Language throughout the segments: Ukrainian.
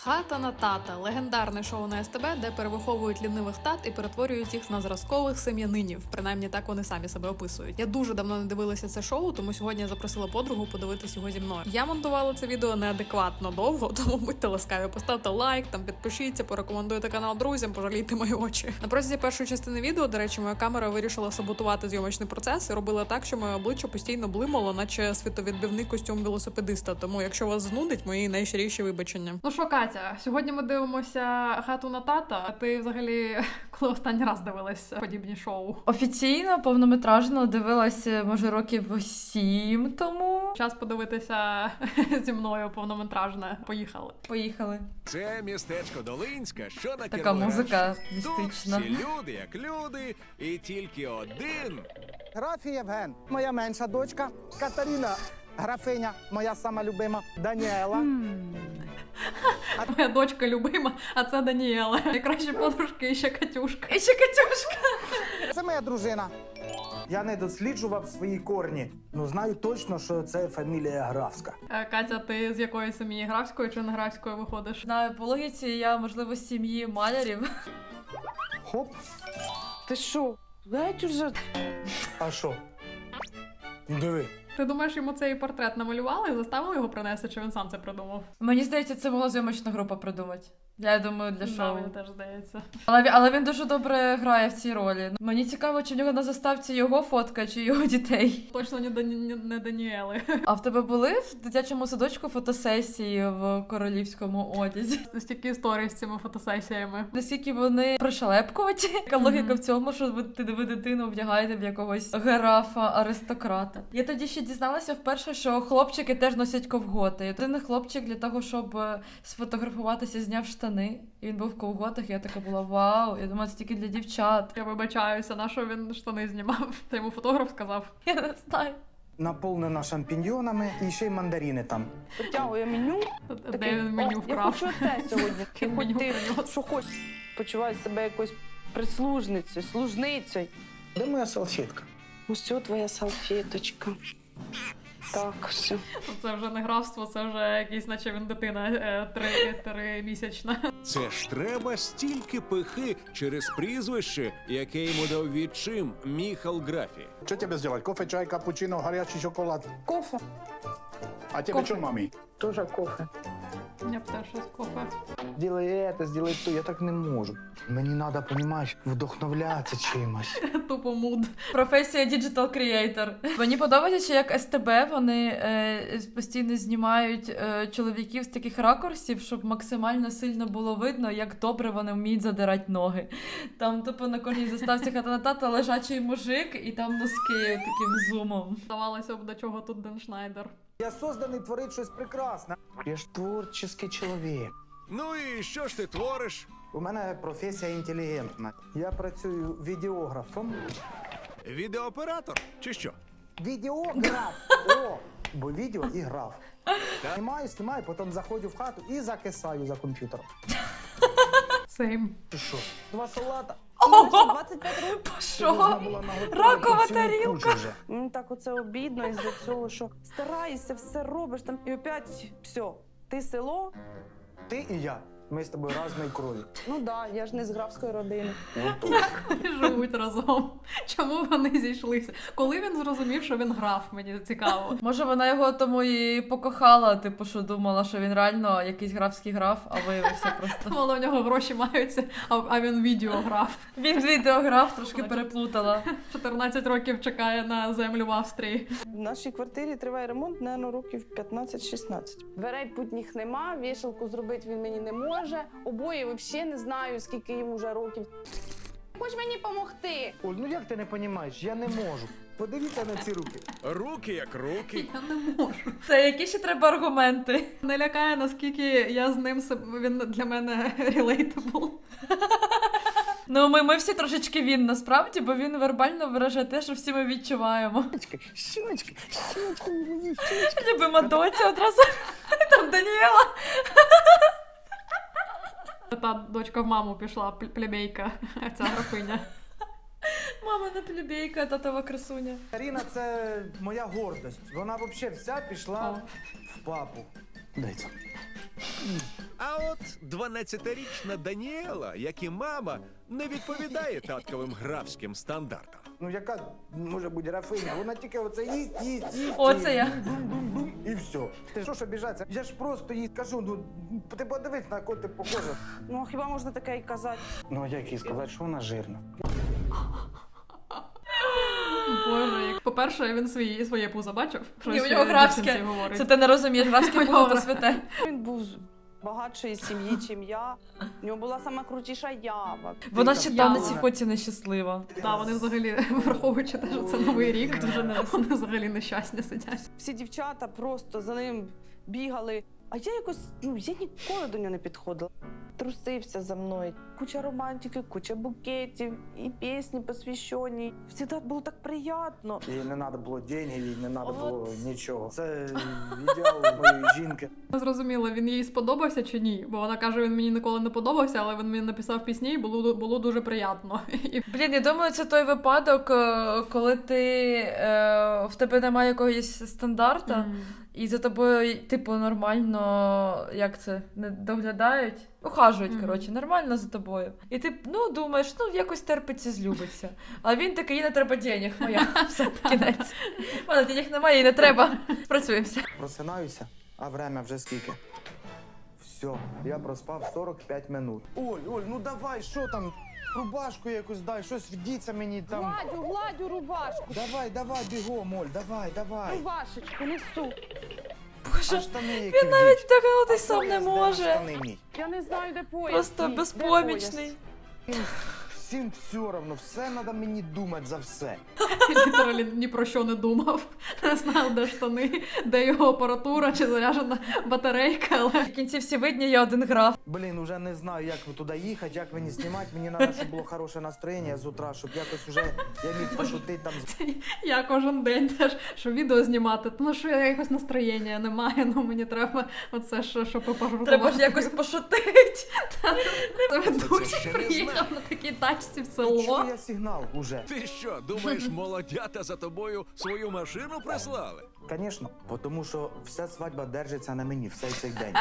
Хата на тата – легендарне шоу на СТБ, де перевиховують лінивих тат і перетворюють їх на зразкових сем'янинів. Принаймні так вони самі себе описують. Я дуже давно не дивилася це шоу, тому сьогодні я запросила подругу подивитись його зі мною. Я монтувала це відео неадекватно довго, тому будьте ласкаві, поставте лайк, там підпишіться, порекомендуйте канал друзям, пожалійте мої очі. На протязі першої частини відео, до речі, моя камера вирішила саботувати зйомочний процес і робила так, що моє обличчя постійно блимало, наче світовідбивний костюм велосипедиста. Тому, якщо вас знудить, мої найщиріші вибачення. Ну що, Катя, сьогодні ми дивимося «Хату на тата». А ти взагалі коли останній раз дивилась подібні шоу? Офіційно, повнометражно дивилася, може, років 7 тому. Час подивитися зі мною повнометражне. Поїхали. Це містечко Долинська, що на Така музика Тут містична. всі люди як люди, і тільки один. Граф Євген, моя менша дочка, Катерина, графиня, моя сама любима, Даніела. Моя дочка любима, а це Даніела. Найкращі подружки і ще Катюшка. Це моя дружина. Я не досліджував свої корні. Ну, знаю точно, що це фамілія графська. Катя, ти з якої сім'ї, графської чи не графської виходиш? На по логіці я, можливо, з сім'ї малярів. Хоп, Ти що? Геть уже. а що? Диви. Ти думаєш, йому цей портрет намалювали і заставили його принести, чи він сам це придумав? Мені здається, це могла зйомочна група придумати. Я думаю, для Да, шоу. мені теж здається. Але він дуже добре грає в цій ролі. Мені цікаво, чи в нього на заставці його фотка, чи його дітей. Точно не Даніели. А в тебе були в дитячому садочку фотосесії в королівському одязі? Стільки історій з цими фотосесіями. Наскільки вони пришелепкуваті? Яка логіка в цьому, що ви дитину вдягаєте в якогось графа-аристократа? Я тоді ще дізналася вперше, що хлопчики теж носять ковготи. Один хлопчик для того, щоб сфотографуватися, зняв штани. І він був в ковготах, і я така була вау. Я думала, це тільки для дівчат. Я вибачаюся, на що він штани знімав? Та йому фотограф сказав. Я не знаю. Наповнена шампіньйонами і ще й мандарини там. Потягує меню. Де він меню Я вкрав? хочу це сьогодні. Ти хоч Меню ти принес. що хочеш. Почуваю себе якоюсь прислужницею, служницею. Де моя салфетка? Ось твоя салфеточка. Так, все. Це вже не графство, це вже якийсь, наче він дитина 3-місячна. Це ж треба стільки пихи через прізвище, яке йому дав відчим Міхал Графі. Что тебе сделать? Кофе, чай, капучино, горячий шоколад? Кофе. А тебе Кофе. что, мами? Тоже кофе. Я б теж щось кофе. Делай це, сделай то, я так не можу. Мені треба, розумієш, вдохновлятися чимось. Тупо муд. Професія Digital Creator. Мені подобається, що як СТБ вони постійно знімають чоловіків з таких ракурсів, щоб максимально сильно було видно, як добре вони вміють задирати ноги. Там тупо на кожній заставці «Хата на тата» лежачий мужик, і там носки таким зумом. Здавалося б, до чого тут Ден Шнайдер. Я созданий творити щось прекрасне. Я ж творчий чоловік. Ну і що ж ти твориш? У мене професія інтелігентна. Я працюю відеографом. Відеооператор чи що? Відеограф! О! Бо відео і граф. Знімаю, потім заходжу в хату і закисаю за комп'ютером. Сейм. Ти що? 2 салата. 25 років. Що? Ракова тарілка. Мені так оце обідно із-за цього, що стараєшся, все робиш там, і опять все. Ти село? Ти і я. Ми з тобою разної крові. Ну да, я ж не з графської родини. Вони живуть разом. Чому вони зійшлися? Коли він зрозумів, що він граф, мені цікаво. Може, вона його тому і покохала, типу, що думала, що він реально якийсь графський граф, а виявився просто. Мало в нього гроші маються, а він відеограф. Він відеограф, трошки переплутала. 14 років чекає на землю в Австрії. В нашій квартирі триває ремонт, мабуть, років 15-16. Дверей путніх нема, вішалку зробити він мені не може. Обоє взагалі не знаю, скільки їм вже років. Хоч мені допомогти. Оль, ну як ти не розумієш? Я не можу. Подивіться на ці руки. Руки як руки. Я не можу. Це які ще треба аргументи? Не лякає, наскільки я з ним, він для мене relatable. Ну, ми всі трошечки він, насправді, бо він вербально виражає те, що всі ми відчуваємо. Щіночки. Любима доця одразу. Там Даніела. Та дочка в маму пішла, плебейка, ця графиня. Мама не плебейка, татова красуня. Каріна – це моя гордость. Вона взагалі вся пішла в папу. Дай це. А от 12-річна Даніела, як і мама, не відповідає татковим графським стандартам. Ну яка може бути графиня? Вона тільки оце їсть. Оце і я. бум-бум-бум, і все. Ти що ж обіжатися? Я ж просто їй кажу, ну ти подивись, на кого ти похожа. Ну хіба можна таке і казати? Ну як їй сказати, що вона жирна? Боже, як по-перше, він своє пузо бачив. Ні, у нього графське. Це ти не розумієш, графське було то святе. Він був з багатшої сім'ї, чим я. У нього була сама крутіша ява. Вона ще там на цій Яблуна. фоті нещаслива. Так, вони взагалі, враховуючи те, що це Новий рік, Дуже не вони взагалі нещасні сидять. Всі дівчата просто за ним бігали. А я якось, я ніколи до нього не підходила. Трусився за мною. Куча романтики, куча букетів, і пісні посвящені. Всегда було так приємно. Їй не треба було денег, їй не треба От. було нічого. Це ідеал моєї жінки. Зрозуміло, він їй сподобався чи ні? Бо вона каже, він мені ніколи не подобався, але він мені написав пісні і було дуже приємно. І Блін, я думаю, це той випадок, коли в тебе немає якогось стандарта, і за тобою, типу, нормально, як це, не доглядають? Ухажують, коротше, нормально за тобою. І ти, думаєш, якось терпиться, злюбиться. А він такий, їй не треба денег, моя, все, кінець. У мене денег немає, їй не треба, спрацюємося. Просинаюся, а время вже скільки? Все, я проспав 45 минут. Оль, ну давай, що там? Рубашку якусь дай, щось вдіться мені там. Гладю рубашку. Давай, бігом, Оль, давай. Рубашечку несу. Боже, А штани які він навіть вдіть? вдягнутись сам не Пояс, де може. штани мій? Я не знаю, де пояс. Просто мій. Де безпомічний. Всім все одно, все треба мені думати за все. літералі ні про що не думав. Не знав, де штани, де його апаратура чи заряджена батарейка, але В кінці всі видні, я один граф. Блін, уже не знаю, як туди їхати, як мені знімати. Мені треба, щоб було хороше настроєння з утра, щоб якось уже я міг пошутити там. я кожен день теж, що відео знімати, що я якось настроєння немає, мені треба оце, щоб пожартувати. Треба ж якось пошутити. Це Це ведучий ще не приїхав знаю. на такій тачці в Чую село. я сигнал уже. Ти що, думаєш, молодята за тобою свою машину прислали? Звісно, тому що вся свадьба держиться на мені, все цей день.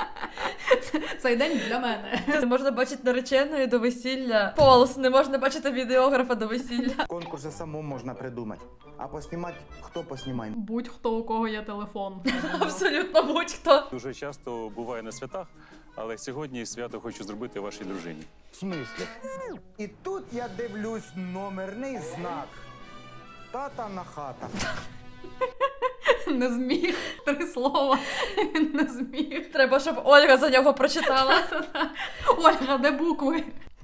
Цей день для мене. Не можна бачити нареченої до весілля. Полос, не можна бачити відеографа до весілля. Конкурси самому можна придумати. А поснімати, хто поснімає? Будь-хто, у кого є телефон. Абсолютно будь-хто. Дуже часто буває на святах, але сьогодні свято хочу зробити вашій дружині. В смислі? І тут я дивлюсь номерний знак. Тата на хата. Не зміг. 3 слова. Він не зміг. Треба, щоб Ольга за нього прочитала. Ольга, де букви?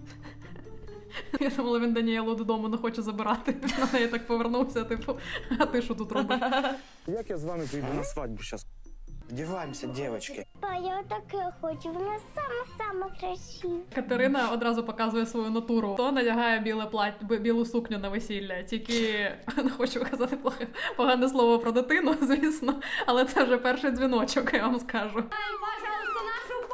Я думала, він Даніелу додому не хоче забирати. На неї так повернувся, типу, а ти що тут робиш? Як я з вами прийду на свадьбу зараз? Вдіваємося, дівчатки. А я таке хочу, вона сама красива. Катерина одразу показує свою натуру. То надягає білу сукню на весілля. Тільки не хочу казати погане слово про дитину, звісно, але це вже перший дзвіночок, я вам скажу. Пожалуйста, нашу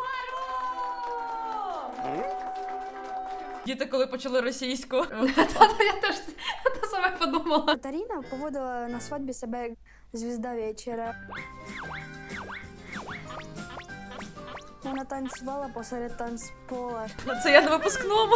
пару! Діти, коли почали російську. Я теж те саме подумала. Катерина поводила на свадьбі себе як звізда вечора. Вона танцювала посеред танцпола. Це я на випускному.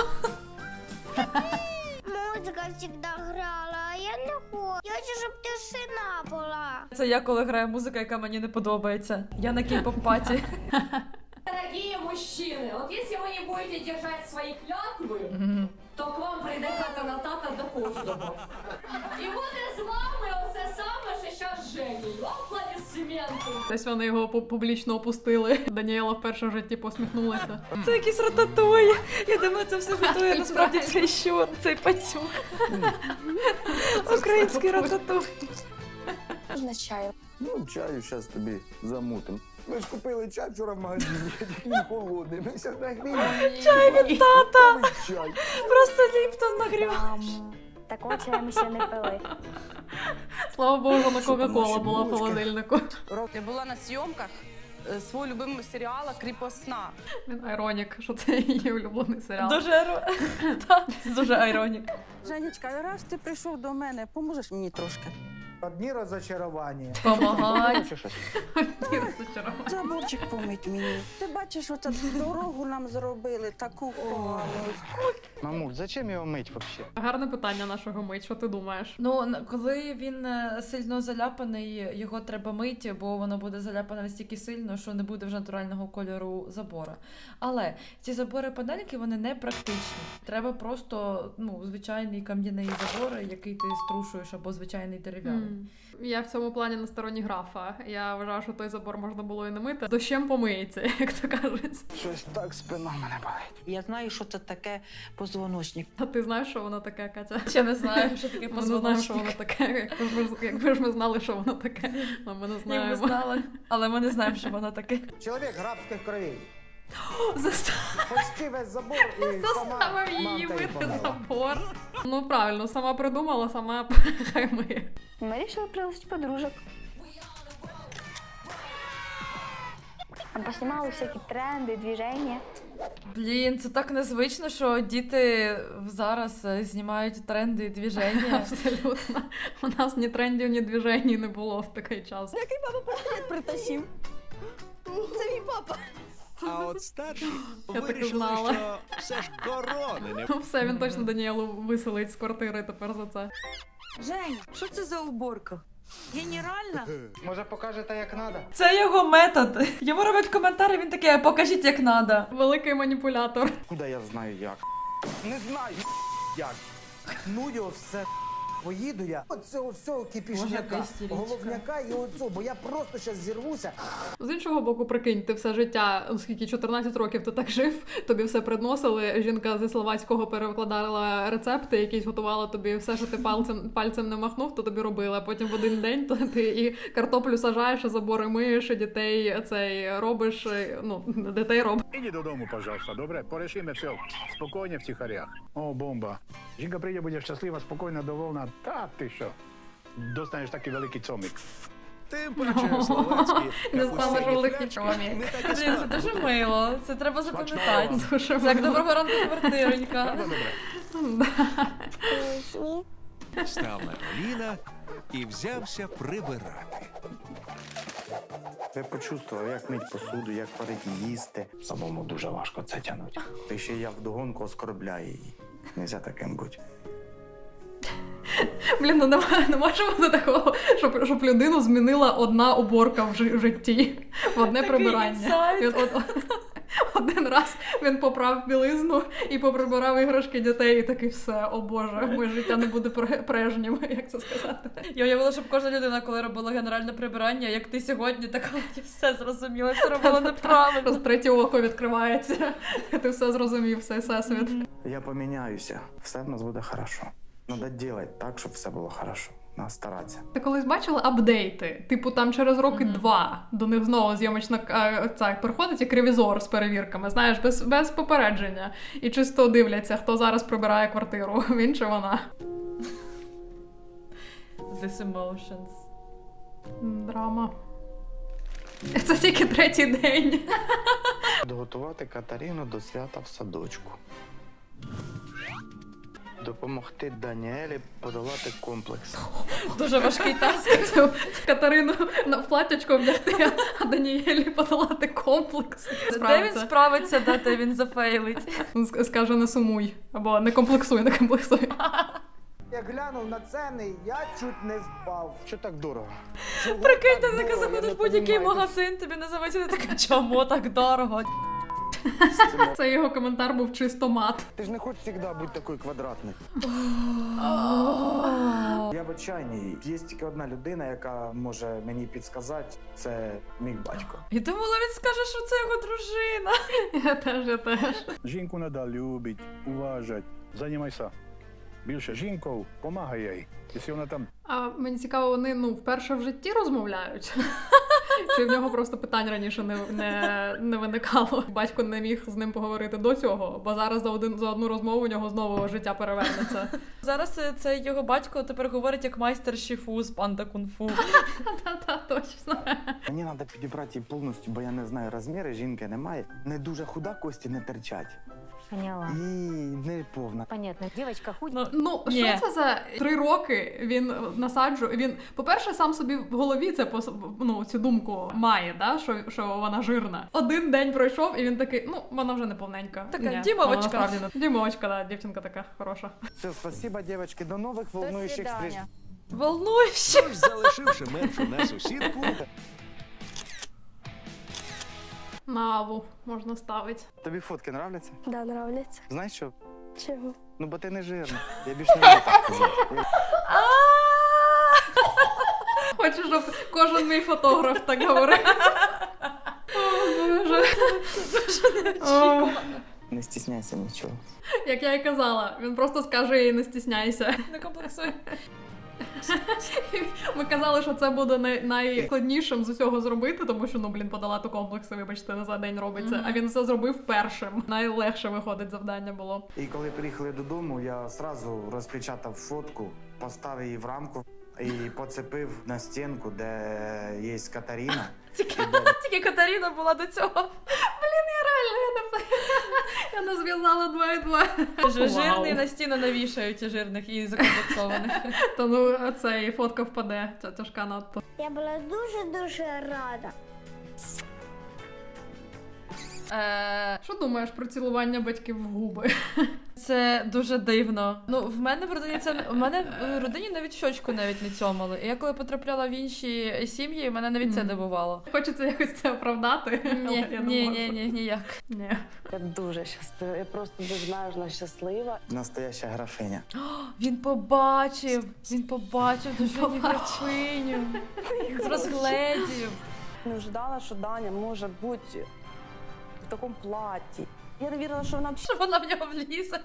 Музика завжди грала, а я не хочу. Я хочу, щоб тишина була. Це я, коли грає музика, яка мені не подобається. Я на кей-поп-паті. Дорогие мужчины, вот если вы не будете держать свои клятвы, то к вам прийде тата до кожного. І буде з вами оце саме, що зараз з Женєю. Аплодисменти. Десь вони його публічно опустили. Даніела вперше в житті посміхнулася. Це якийсь рататуй. Я думаю, це все готує. Насправді це щур, цей пацюк. Український рататуй. Можна чаю. Ну, чаю зараз тобі замутим. Ми ж купили чай вчора в магазині, тільки він холодний. Ми зараз нагріємо. Чай від тата. Чай. Просто Ліптон нагрів. Такого чаю ми ще не пили. Слава Богу, на Що там Кока-Кола наші була в булочки? холодильнику. Я була на зйомках свого любимого серіалу «Кріпосна». Він айронік, що це її улюблений серіал. Дуже айронік. Женечка, раз ти прийшов до мене, поможеш мені трошки? Одні розочарування. Помагать. Заборчик помить мені. Ти бачиш, оцю дорогу нам зробили, таку погану. Мамуль, зачем його мить взагалі? Гарне питання нашого мить, що ти думаєш? Ну, коли він сильно заляпаний, його треба мити, бо воно буде заляпане настільки сильно, що не буде вже натурального кольору забора. Але ці забори-панельки, вони не практичні. Треба просто, звичайний кам'яний забор, який ти струшуєш, або звичайний дерев'яний. Я в цьому плані на стороні графа. Я вважаю, що той забор можна було і не мити. Дощем помиється, як то кажуть. Щось так спина мене болить. Я знаю, що це таке позвоночник. А ти знаєш, що воно таке, Катя? Ще не знаю, що таке Ми не знаємо, що воно позвоночник. таке. Якби ж ми знали, що воно таке. Але ми не Ні, ми знаємо. знали, але ми не знаємо, що воно таке. Чоловік грабських кровей. Заставив Почти весь забор і сама її мамка їй мити помила. забор. Ну правильно, сама придумала, сама хай миє. Мы решили пригласить подружек. Поснимала всякие тренды, движения. Блін, це так незвично, що діти зараз знімають тренди і движення. Абсолютно. У нас ні трендів, ні движень не було в такий час. Притащив. Це мій папа. А от старші Я так і вирішили, знала. що все ж корони не Ну все, він точно Даніелу виселить з квартири тепер за це. Жень, що це за уборка? Генеральна? Може покажете, як треба? Це його метод. Йому роблять коментарі, він такий, покажіть як надо. Великий маніпулятор. Куди я знаю як? Не знаю як. Ну його все. Поїду я. Оцього всього Боже, кипішняка, яка істеричка. головняка і оцього, бо я просто зараз зірвуся. З іншого боку, прикинь, ти все життя, оскільки 14 років ти так жив, тобі все приносили, жінка зі словацького перекладала рецепти, якісь готувала тобі все, що ти пальцем не махнув, то тобі робила. Потім в один день то ти і картоплю сажаєш, і забори миєш, і дітей робиш, дітей робиш. Іди додому, пожалуйста, добре? Порішимо все спокійно, втихаря. О, бомба. Жінка прийде, буде щаслива, спокійна, довольна. Та ти що? Достанеш такий великий цомик. тим паче словацькі Не знала, що капустяні великий флячки чоловік. не так і Блін, це складно дуже готувати. мило. Це треба запам'ятати. Дуже Це як мило. доброго ранку, квартиронька. Добре. Став на коліна і взявся прибирати. Я почувствував, як мить посуду, як варити їсти. Самому дуже важко це тягнути. Та ще я вдогонку оскорбляю її. Нельзя таким бути. Блін, ну не може бути такого, щоб людину змінила одна уборка в житті, в одне Такий прибирання. інсайт. Один раз він поправ білизну і поприбирав іграшки дітей, і такий все, о Боже, моє життя не буде прежнім, як це сказати. Я уявила, щоб кожна людина, коли робила генеральне прибирання, як ти сьогодні, така я все зрозуміла, все робила неправильно. Просто третє око відкривається, ти все зрозумів, все всесвіт. Я поміняюся. Все в нас буде хорошо. Надо робити так, щоб все було хорошо. Надо старатися. Ти колись бачила апдейти? Типу там через роки 2 до них знову зйомочна приходить як ревізор з перевірками, знаєш, без попередження. І чисто дивляться, хто зараз прибирає квартиру, він чи вона. This emotions. Драма. Це тільки третій день. Доготувати Катерину до свята в садочку. Допомогти Даніелі подолати комплекс. Дуже важкий таск. Це Катерину в платячко вдягти, а Даніелі подолати комплекс. Де він справиться, де він зафейлить. Скаже, не сумуй. Або не комплексуй, не комплексуй. Я глянув на ціни, я чуть не впав. Що так дорого? Прикинь, ти таке заходиш в будь-який магазин, тобі називається не таке, чому так дорого? Це його коментар був чисто мат. Ти ж не хочеш завжди бути такою квадратною. Я в отчаянні. Є тільки одна людина, яка може мені підказати, це мій батько. І думала, він скаже, що це його дружина. Я теж. Жінку треба любити, уважати, займайся. Більше жінкою, помагай їй. Якщо вона там А мені цікаво, вони вперше в житті розмовляють? Чи в нього просто питань раніше не виникало? Батько не міг з ним поговорити до цього, бо зараз за одну розмову у нього знову життя перевернеться. Зараз це його батько тепер говорить як майстер шіфу з панда кунг-фу. Та точно. Мені треба підібрати її повністю, бо я не знаю розміри, жінки немає. Не дуже худа, кості не терчать. Поняла. і не повна. Понятно. Девочка худенькая. Ну, Ні. що це за 3 роки він насаджує? Він, по-перше, сам собі в голові це цю думку має, да? що вона жирна. Один день пройшов, і він такий, вона вже не повненька. Така Ні, дімовочка. вона насправді не- Дімовочка, да, дівчинка така хороша. Все, спасибо, девочки, до нових волнуючих встреч. Волнующе. Тож, залишивши меншу на сусідку, Наву можна ставити. Тобі фотки нравляться? Да, нравляться. Знаєш що? Чого? Ну, бо ти не жирна. Я більше не буду так казати. Хочу, щоб кожен мій фотограф так говорив. О, Боже. О, Не стісняйся нічого. як я і казала, він просто скаже їй не стісняйся. Не комплексуй. Ми казали, що це буде найскладнішим з усього зробити, тому що, подолати комплекси, вибачте, не за день робиться. А він все зробив першим. Найлегше виходить завдання було. І коли приїхали додому, я одразу розпечатав фотку, поставив її в рамку і поцепив на стінку, де є Катерина. Тільки Катерина була до цього. Я не зв'язала 2 і 2. Жирний на стіну навішають і жирних і закомплексованих. Та цей фотка впаде, ця тяжка надто. Я була дуже-дуже рада. Що думаєш про цілування батьків в губи? Це дуже дивно. В мене в родині навіть щочку навіть не цьомали. І я коли потрапляла в інші сім'ї, мене навіть це дивувало. Хочеться якось це оправдати. але я не можу. Ні, ніяк. Ні. Я дуже щаслива, я просто безмежно щаслива. Настояща графиня. Він побачив дуже графиню. З розгледів. Не ждала, що Даня може бути в такому платі. Я не вірила, що вона Що вона в нього влізе.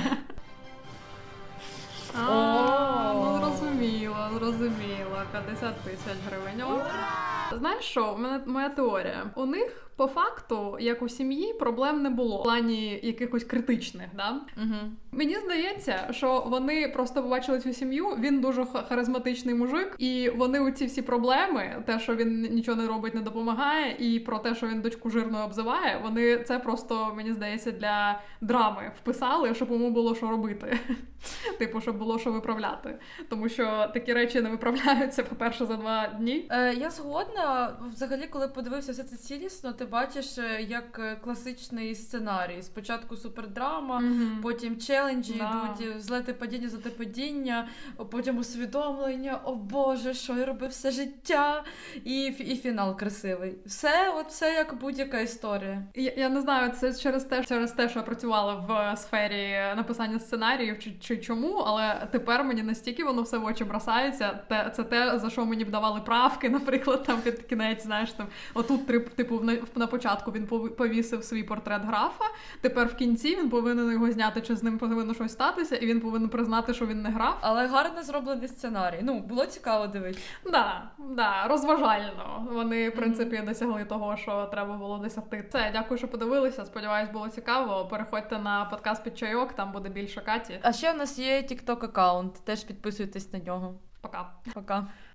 Зрозуміло. 50 тисяч гривень. Знаєш що, в мене моя теорія. У них по факту, як у сім'ї, проблем не було в плані якихось критичних, да? Угу. Мені здається, що вони просто побачили цю сім'ю, він дуже харизматичний мужик, і вони у ці всі проблеми, те, що він нічого не робить, не допомагає, і про те, що він дочку жирною обзиває, вони це просто, мені здається, для драми вписали, щоб йому було що робити. Типу, щоб було що виправляти. Тому що такі речі не виправляються, по-перше, за 2 дні. Я згодна. Взагалі, коли подивився все це цілісно, ти бачиш як класичний сценарій. Спочатку супердрама, потім челенджі, йдуть взлети падіння, злети падіння, потім усвідомлення, о Боже, що я робив все життя, і фінал красивий. Все як будь-яка історія. Я не знаю, це через те, що я працювала в сфері написання сценаріїв чи чому, але тепер мені настільки воно все в очі бросається. Це те, за що мені б давали правки, наприклад, там під кінець, знаєш, там отут, типу, на початку він повісив свій портрет графа, тепер в кінці він повинен його зняти, чи з ним повинно щось статися, і він повинен признати, що він не граф. Але гарно зроблений сценарій. Було цікаво дивитися. Да, розважально. Вони, в принципі, досягли того, що треба було досягти. Все, дякую, що подивилися. Сподіваюсь, було цікаво. Переходьте на подкаст «Під чайок», там буде більше Каті. А ще в нас є TikTok аккаунт, теж підписуйтесь на нього. Пока. Пока.